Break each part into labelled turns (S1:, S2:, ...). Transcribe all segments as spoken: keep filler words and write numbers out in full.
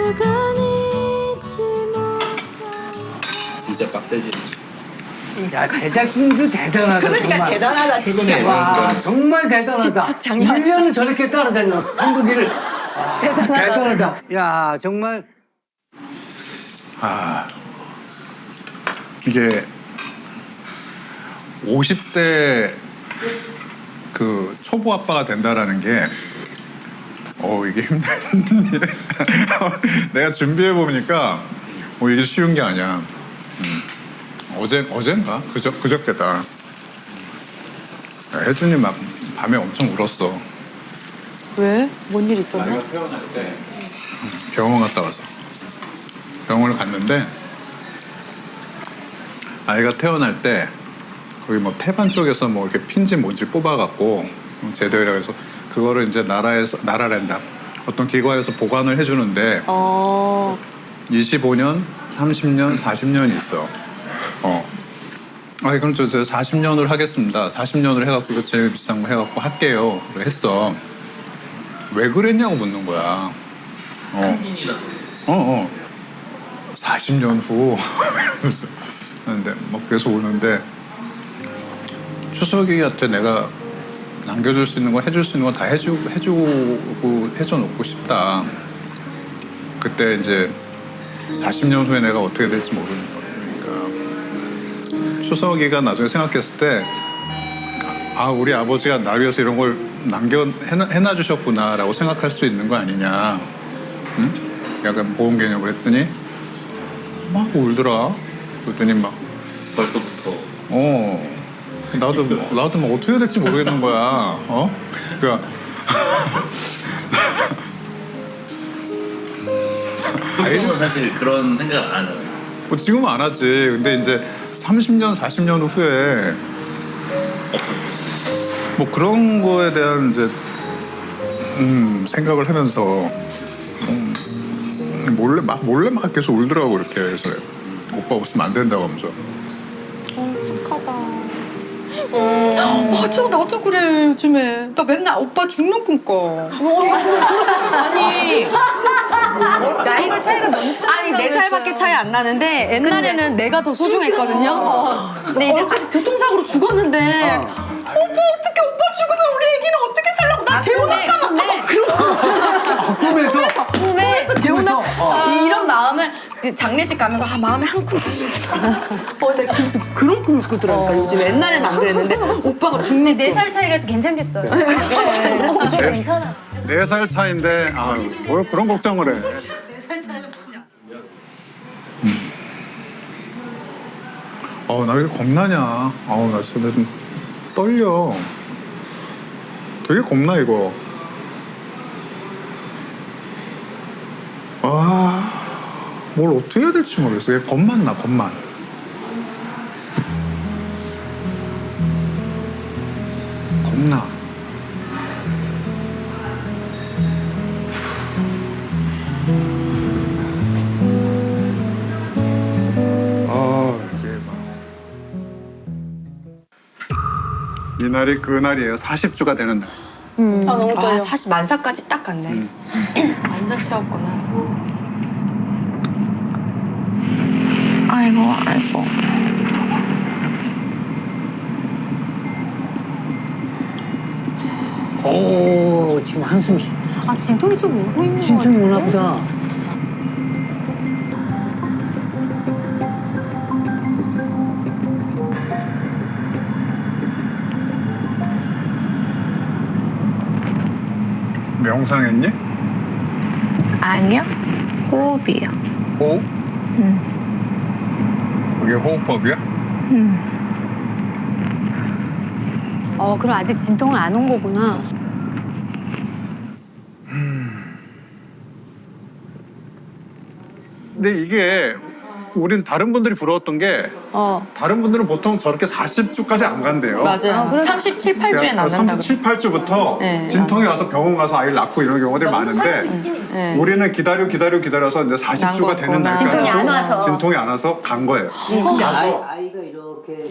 S1: 진짜 빡세지.
S2: 야, 제작진도 대단하다.
S3: 그러니까
S2: 정말.
S3: 대단하다 진짜.
S2: 와, 정말 대단하다.
S3: 집착 장난
S2: 일 년을 저렇게 따라다녔어, 선국이를. 와,
S3: 대단하다.
S2: 대단하다. 야, 정말.
S4: 아, 이게 오십 대 그 초보 아빠가 된다라는 게, 어, 이게 힘든 일. 내가 준비해 보니까, 어, 이게 쉬운 게 아니야. 음. 어제, 어젠가? 그저, 그저께다. 혜준이 막 밤에 엄청 울었어.
S3: 왜? 뭔 일 있었나?
S4: 아이가 태어날 때 병원 갔다 와서 병원을 갔는데 아이가 태어날 때 거기 뭐 태반 쪽에서 뭐 이렇게 핀지 뭔지 뽑아갖고 제대로 해서 그거를 이제 나라에서 나라랜다 어떤 기관에서 보관을 해주는데
S3: 어.
S4: 이십오 년, 삼십 년, 사십 년이 있어. 어. 아, 그럼 저, 저 사십 년을 하겠습니다. 사십 년을 해갖고 이거 제일 비싼 거 해갖고 할게요. 그래 했어. 왜 그랬냐고 묻는 거야. 어. 어, 어. 사십 년 후. 이러면서. 근데 막 계속 오는데 추석이한테 내가 남겨줄 수 있는 거 해줄 수 있는 거 다 해주고 해주고 해줘 놓고 싶다. 그때 이제 사십 년 후에 내가 어떻게 될지 모르니까. 추석이가 나중에 생각했을 때 아, 우리 아버지가 날 위해서 이런 걸 남겨 해놔, 해놔 주셨구나라고 생각할 수 있는 거 아니냐. 응? 약간 보험 개념을 했더니 막 울더라. 그랬더니 막
S1: 벌써부터.
S4: 어. 나도 나도 뭐 어떻게 해야 될지 모르겠는 거야. 어? 그러니까
S1: 지금은 사실 그런 생각 안 하잖아요.
S4: 뭐 지금은 안 하지. 근데 이제 삼십 년, 사십 년 후에 뭐 그런 거에 대한 이제 음, 생각을 하면서 음, 몰래 막 몰래 막 계속 울더라고 이렇게. 그래서 오빠 없으면 안 된다고 하면서.
S3: 어, 착하다. 맞아, 나도 그래, 요즘에. 나 맨날 오빠 죽는 꿈 꿔. 아니. 나이가 차이가 너무 아니, 네 살밖에 차이 안 나는데 옛날에는 내가 더 소중했거든요. 근데 이제 다시 교통사고로 죽었는데 오빠 어떻게 오빠 죽으면 우리 애기는 어떻게 살라고 나 재혼할까 봐 막 그런 거
S2: 꿈에서.
S3: 꿈에서 재혼할 이런 마음을 이제 장례식 가면서 아, 마음에 한 쿵. 어, 내가 그래서 그런 꿈을 꾸더라니까. 요즘 옛날에는 안 그랬는데 오빠가 죽는
S5: 네 살 차이라서 괜찮겠어요. 네, 이제 괜찮아.
S4: 네 살 차인데 아유 뭘 그런 걱정을 해. 음. 어우 나 왜 겁나냐. 어우 나 진짜 좀 떨려. 되게 겁나 이거. 아, 뭘 어떻게 해야 될지 모르겠어. 얘 겁만 나 겁만. 겁나. 아 이게 막 이날이 그날이에요. 사십 주가 되는 날.
S3: 음. 아, 너무 떨려. 아, 사실 만사까지 딱 갔네.
S4: 음.
S3: 완전 채웠구나.
S5: 아이고, 아이고.
S2: 오, 지금 한숨 쉬.
S5: 아, 진통이 좀 오고 있는 거
S2: 진짜
S5: 같은데?
S2: 오나 보다.
S4: 명상했니?
S5: 아니요. 호흡이요.
S4: 호흡?
S5: 응.
S4: 그게 호흡법이야?
S5: 응. 어, 그럼 아직 진통은 안 온 거구나.
S4: 근데 이게 우린 다른 분들이 부러웠던 게
S3: 어,
S4: 다른 분들은 보통 저렇게 사십 주까지 안 간대요.
S3: 맞아요. 삼십칠, 팔 주에 낳는다고.
S4: 삼십칠, 팔 주부터
S3: 네.
S4: 진통이 와서 병원 가서 아이를 낳고 이런 경우들이 많은데
S3: 네.
S4: 우리는 기다려 기다려 기다려서 이제 사십 주가 되는
S3: 난
S4: 날까지
S3: 거구나.
S5: 진통이 안 와서.
S4: 진통이 안 와서 간 거예요.
S2: 아이, 아이가 이렇게.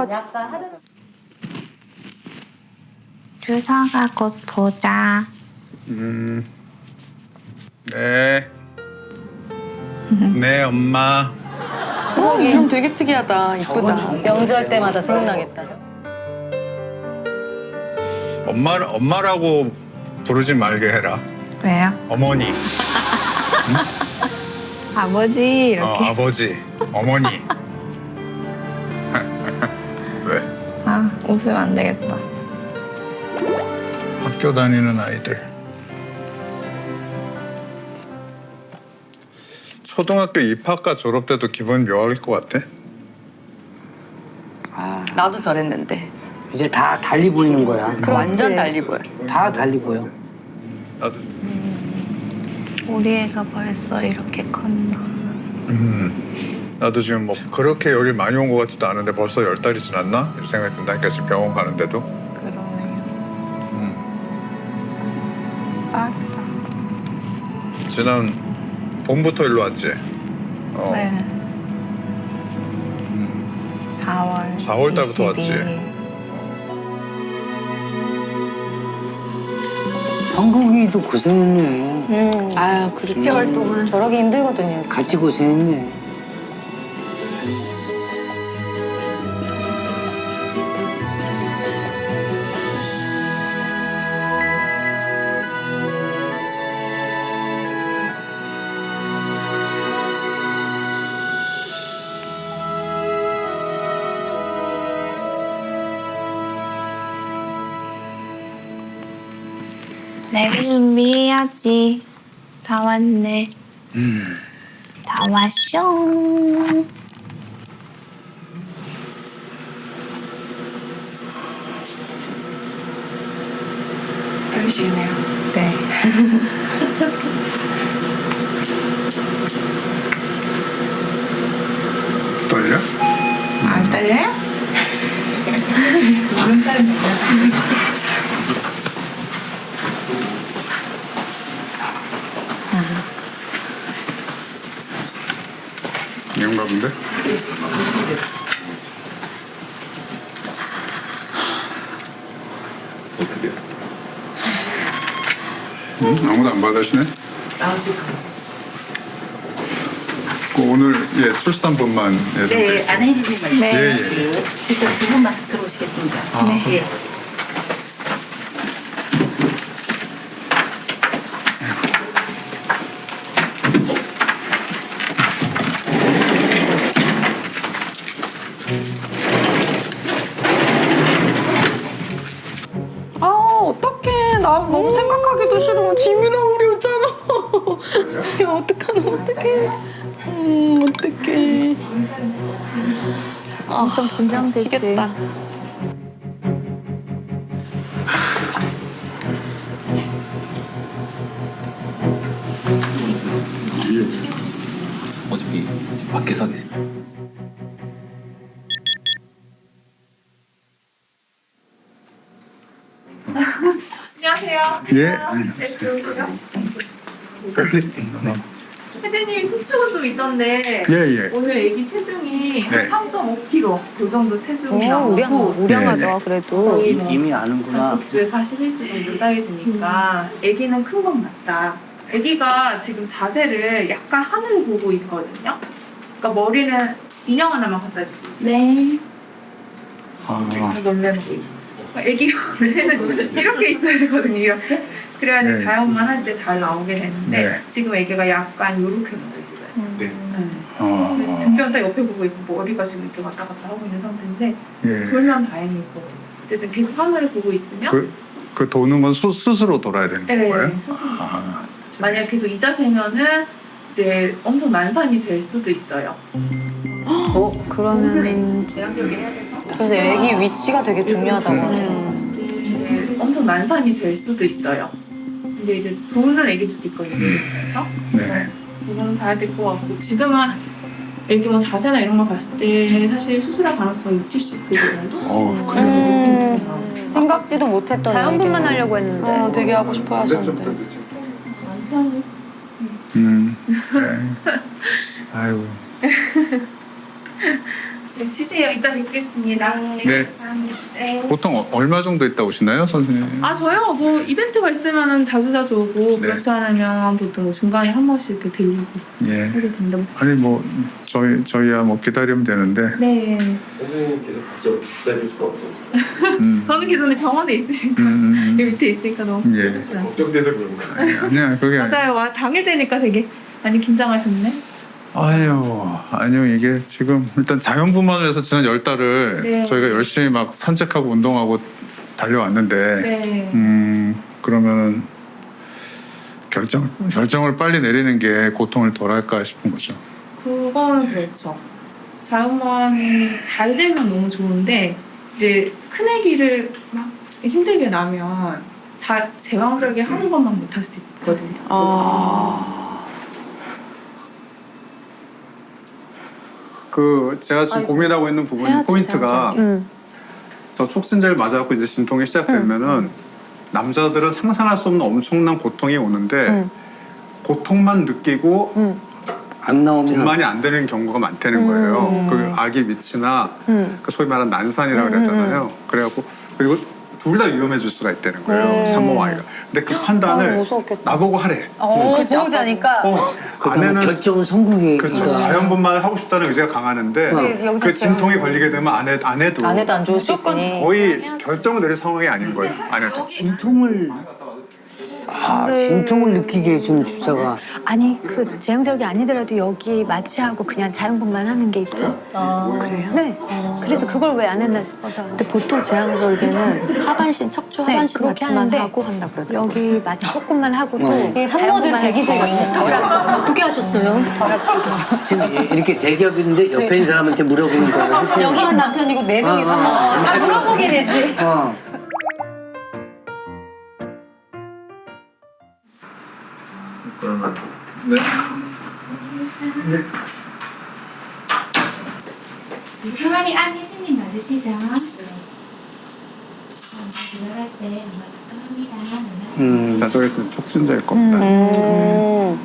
S5: 주사가 곧 도자.
S4: 음, 네. 네, 엄마.
S3: 어, 이름 되게 특이하다. 이쁘다.
S5: 명절 때마다 생각나겠다.
S4: 엄마, 엄마라고 부르지 말게 해라.
S6: 왜요?
S4: 어머니,
S6: 아버지 이렇게.
S4: 어, 아버지, 어머니. 왜?
S6: 아 웃으면 안 되겠다.
S4: 학교 다니는 아이들. 초등학교 입학과 졸업 때도 기분 묘할 것 같아.
S2: 아,
S3: 나도 저랬는데.
S2: 이제 다 달리 보이는 거야.
S3: 완전 달리 보여.
S2: 다 달리 보여.
S4: 나도.
S6: 우리 애가 벌써 이렇게 컸나.
S4: 음, 나도 지금 뭐 그렇게 열이 많이 온 것 같지도 않은데 벌써 열 달이 지났나? 이런 생각이 든다니까 지금 병원 가는데도.
S6: 그러네요.
S4: 음.
S6: 맞다.
S4: 지난 봄부터 일로 왔지. 어.
S6: 네.
S4: 음.
S6: 사월.
S4: 사월 달부터 왔지.
S6: 이십이.
S2: 성국이도 고생했네.
S5: 음.
S3: 아, 그렇지.
S5: 칠 개월 동안. 저러기 힘들거든요.
S2: 같이 고생했네.
S6: 내일 준비해야지. 다 왔네.
S4: 음.
S6: 다 왔쇼.
S3: 떨리시네요.
S6: 네.
S4: 떨려?
S6: 안 떨려요?
S4: 이건가 본데?
S1: 어떻게?
S4: 응? 아무도 안 받으시네? 그 오늘 예 출산분만 예, 좀
S7: 네, 안혜진님 말씀.
S6: 네.
S4: 예, 예.
S7: 일단 두 분만 들어오시겠습니다.
S4: 아.
S7: 예.
S3: 아, 어떡해. 나 너무 생각하기도 싫어. 지민아, 우리 오잖아. 야, 어떡하나, 어떡해. 음, 어떡해.
S6: 엄청 긴장되지.
S3: 미치겠다.
S1: 어차피 밖에서 하게 돼.
S7: 안녕하세요.
S4: 예.
S7: 네, 들어오세요. 혜진님이 수축은 좀 있던데
S4: 예, 예.
S7: 오늘 애기 체중이
S4: 네.
S7: 삼 점 오 킬로그램 그 정도 체중이
S5: 오,
S7: 나오고
S5: 우량, 우량하다, 그래도.
S7: 거의 뭐
S2: 이미 아는구나.
S7: 다섯 주에 사십일 주 정도 사이즈니까 아기는 큰 건 맞다. 아기가 지금 자세를 약간 하늘을 보고 있거든요. 그러니까 머리는 인형 하나만 갖다 주시면
S6: 네.
S2: 아,
S7: 놀래는 거 있어. 아기가 원래는 이렇게 있어야 되거든요. 이렇게. 그래야지
S4: 네.
S7: 자연만 할 때 잘 나오게 되는데
S4: 네.
S7: 지금 아기가 약간 이렇게 나와 있어요.
S1: 네.
S7: 네.
S4: 어,
S7: 등변 옆에 보고 있고 머리가 지금 이렇게 왔다 갔다 하고 있는 상태인데
S4: 예.
S7: 돌면 다행이고 어쨌든 계속 하늘을 보고 있으면
S4: 그, 그 도는 건 수, 스스로 돌아야 되는
S7: 네,
S4: 거예요?
S7: 스스로.
S4: 아,
S7: 만약 계속 이 자세면은 이제 엄청 난산이 될 수도 있어요.
S5: 어, 그러면. 그래서 애기 위치가 되게 중요하다고 하네요.
S7: 이제 엄청 난산이 될 수도 있어요. 근데 이제 도는 애기들도 있거든요. 그래서
S4: 네.
S7: 그거는 봐야 될 것 같고 지금은 애기 뭐 자세나 이런 거 봤을 때 사실 수술할 가능성이 육십, 칠십 퍼센트 정도?
S4: 어, 그래.
S5: 음, 생각지도 못했던. 자연분만 하려고 했는데.
S3: 어, 되게 하고 싶어 하셨는데.
S7: 난산이
S4: 음, 네. 아이고.
S7: 네, 쉬세요. 이따 뵙겠습니다.
S4: 네.
S7: 감사합니다. 네.
S4: 보통 어- 얼마 정도 있다 오시나요, 선생님?
S7: 아 저요 뭐 이벤트가 있으면은 자주 자주 오고
S4: 네.
S7: 그렇지 않으면 보통 중간에 한 번씩 이렇게 들리고
S4: 예.
S7: 하게 된다.
S4: 아니 뭐 저희 저희야 뭐 기다리면 되는데.
S7: 네.
S1: 선생님께서 같이 기다릴 수 없어요.
S4: 음.
S7: 저는 기존에 병원에 있으니까
S4: 음,
S7: 여기
S4: 음,
S7: 밑에 있으니까 너무
S4: 음. 예.
S7: 힘들어요.
S1: 걱정돼서 그런 거예요.
S4: 아니, 아니야 그게 아니.
S7: 맞아요. 와 당일 되니까 되게 많이 긴장하셨네.
S4: 아유, 아니요 이게 지금 일단 자연분만을 해서 지난 열 달을
S7: 네.
S4: 저희가 열심히 막 산책하고 운동하고 달려왔는데,
S7: 네.
S4: 음 그러면은 결정 결정을 빨리 내리는 게 고통을 덜할까 싶은 거죠.
S7: 그거는 그렇죠. 자음만이 잘 되면 너무 좋은데 이제 큰 아기를 막 힘들게 나면 잘 제왕절개 하는 것만 못할 수 있거든요.
S3: 아.
S4: 그 제가 지금
S3: 아이고.
S4: 고민하고 있는 부분
S3: 해야지,
S4: 포인트가
S3: 음.
S4: 저 촉진제를 맞아갖고 이제 진통이 시작되면은 남자들은 상상할 수 없는 엄청난 고통이 오는데
S3: 음.
S4: 고통만 느끼고
S3: 음.
S2: 안 나오면
S4: 분만이 안 되는 경우가 많다는 거예요.
S3: 음.
S4: 그 아기 밑이나
S3: 음.
S4: 그 소위 말하는 난산이라고
S3: 음,
S4: 그랬잖아요. 그래갖고 그리고 둘 다 위험해질 수가 있다는 거예요.
S3: 음.
S4: 산모 아이가. 근데 그
S3: 아,
S4: 판단을
S3: 무서웠겠다.
S4: 나보고 하래.
S5: 어, 보호자니까.
S4: 어,
S2: 그다음에
S4: 아내는
S2: 결정은 성국이가
S4: 그렇죠. 자연분만을 하고 싶다는 의지가 강하는데
S2: 네,
S5: 여기서
S4: 그 진통이 걸리게 되면 아내 아내도
S5: 아내도 안 좋을 수 있으니.
S4: 거의 결정을 내릴 상황이 아닌 거예요. 아내도.
S2: 진통을 아 진통을 느끼게 해주는 주사가
S5: 아니 그 제왕절개 아니더라도 여기 마취하고 그냥 자연분만 하는 게 있죠.
S3: 그래요?
S5: 네. 그래서 그걸 왜 안 했나 싶어서.
S3: 근데 보통 제왕절개는 하반신, 척추
S5: 네,
S3: 하반신
S5: 그렇게
S3: 마취만
S5: 하는데
S3: 하고 한다 그러더라고요.
S5: 여기 마취 조금만 하고도
S2: 어.
S5: 이게 산모들 대기실 같아요. 덜 아프고.
S6: 어떻게 하셨어요?
S5: 덜 아프고.
S2: 지금 이렇게 대기업인데 옆에 있는 사람한테 물어보는 거예요. 그치?
S6: 여기만 남편이고 네 명이
S2: 어,
S6: 산모.
S2: 어,
S6: 다 물어보게 되지.
S2: 어.
S4: 그러면 네.
S6: 가만히 안에 손님 맞으시죠? 들어갈 때 엄마 감사합니다.
S2: 음.
S4: 자, 저기 촉진제일 겁니다.
S3: 음.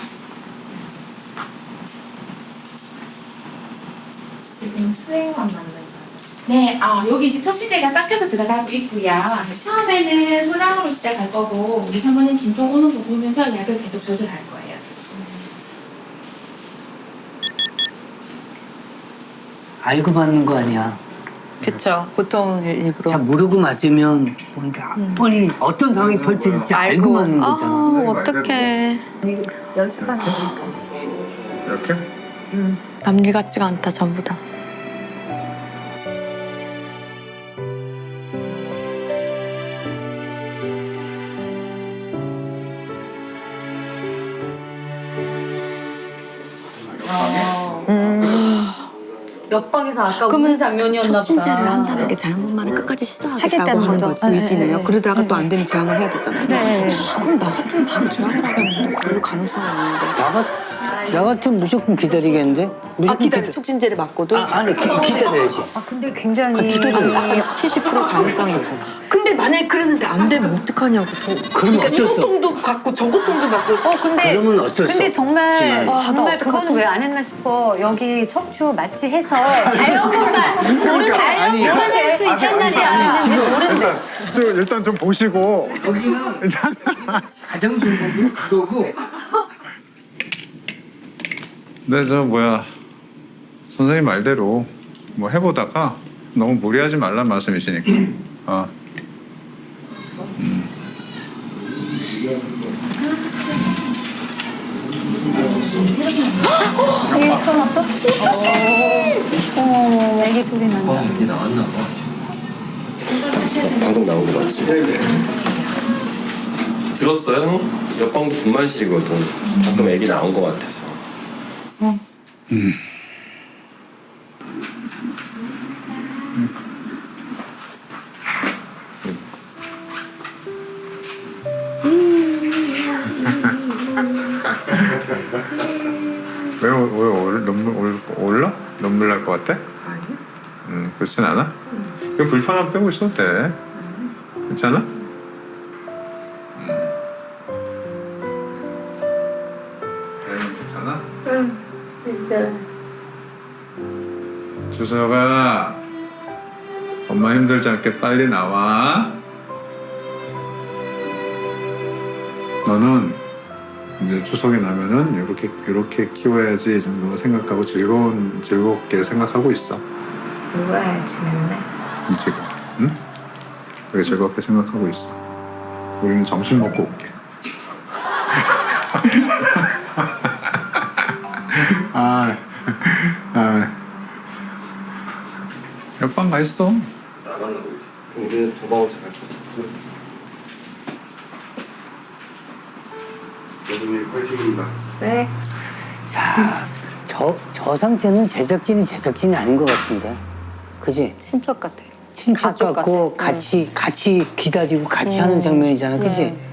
S6: 지금 수행원 맞는 거.
S7: 네, 아, 여기 이제 척추대가 깎여서 들어가고 있고요. 처음에는 소량으로 시작할 거고 우리 사모님 진통 오는 거 보면서 약을 계속 조절할 거예요.
S2: 알고 맞는 거 아니야.
S3: 그쵸. 보통은 일부러.
S2: 자 모르고 맞으면 뭔가 뻔히 어떤 상황이 펼쳐질지 알고 맞는 거잖아.
S3: 아, 어떡해.
S5: 연습하는 거니까.
S4: 이렇게?
S3: 남일 같지가 않다, 전부 다.
S6: 옆방에서 아까
S3: 그러면
S6: 웃는 장면이었나 보다.
S3: 촉진제를 한다는 게 자연분만을 끝까지 시도하겠다고
S5: 하겠다는
S3: 하는
S5: 거죠.
S3: 거지,
S5: 네,
S3: 의지는요.
S5: 네,
S3: 그러다가
S5: 네,
S3: 또 안
S5: 네.
S3: 되면 제왕을 해야 되잖아요.
S5: 네.
S3: 아, 그럼 나 같으면 바로 제왕을 하겠는데 별로 가능성이 없는데.
S2: 나, 같, 나 같으면 무조건 기다리겠는데?
S3: 아,
S2: 무조건
S3: 기다려.
S2: 기다-
S3: 촉진제를 맞고도?
S2: 아, 아니 기, 기다려야지.
S5: 아 근데 굉장히
S3: 아니, 아까 칠십 퍼센트 가능성이 있어. 근데 만약에 그랬는데 안 되면 어떡하냐고. 더.
S2: 그러면
S3: 그러니까
S2: 어쩔 수
S3: 이 고통도 갖고 저 고통도 받고.
S5: 어 근데
S2: 그러면 어쩔 수
S5: 근데
S2: 없지만.
S5: 정말
S3: 아, 나
S5: 정말
S3: 어떡하지?
S5: 그거는 왜 안 했나 싶어. 여기 척추 마취해서 자연분만 모르 자연분만 할 수 있단 말이야. 안 했는지 모르는데.
S4: 일단, 좀, 일단 좀 보시고
S2: 여기는
S4: 일단
S2: 가장 좋은 건 그거고
S4: 네, 저 뭐야 선생님 말대로 뭐 해보다가 너무 무리하지 말란 말씀이시니까. 어.
S5: 이게 터놨어? 어, 애기 소리 난다.
S1: 어, 이게 나왔나 봐. 방금 나온 거 맞지? 들었어요? 옆방도 분만실이거든. 방금 애기 나온 거 같아서.
S4: 음. 왜, 왜 올, 눈물 올, 올라? 눈물 날 것 같아? 아니. 음, 그렇진 않아? 그럼 불편함 빼고 있어도 돼. 괜찮아? 음. 괜찮아?
S6: 응, 진짜.
S4: 주서가 엄마 힘들지 않게 빨리 나와. 너는 이제 추석이 나면은 이렇게 이렇게 키워야지 정도 생각하고 즐거운 즐겁게 생각하고 있어.
S6: 놀아야지 맨날.
S4: 지금, 응? 되게 즐겁게 생각하고 있어. 우리는 점심 먹고 올게. 아, 아, 옆방 가 있어.
S1: 나가려고 이제. 우리는 도망오지 갈 거야. 여러분이 퀄팅입니다.
S6: 네.
S2: 저, 저 상태는 제작진이 제작진이 아닌 것 같은데. 그지?
S3: 친척 같아.
S2: 친척
S3: 가족
S2: 같고
S3: 같아.
S2: 같이 같이 기다리고 같이 하는 장면이잖아. 그지?
S3: 네.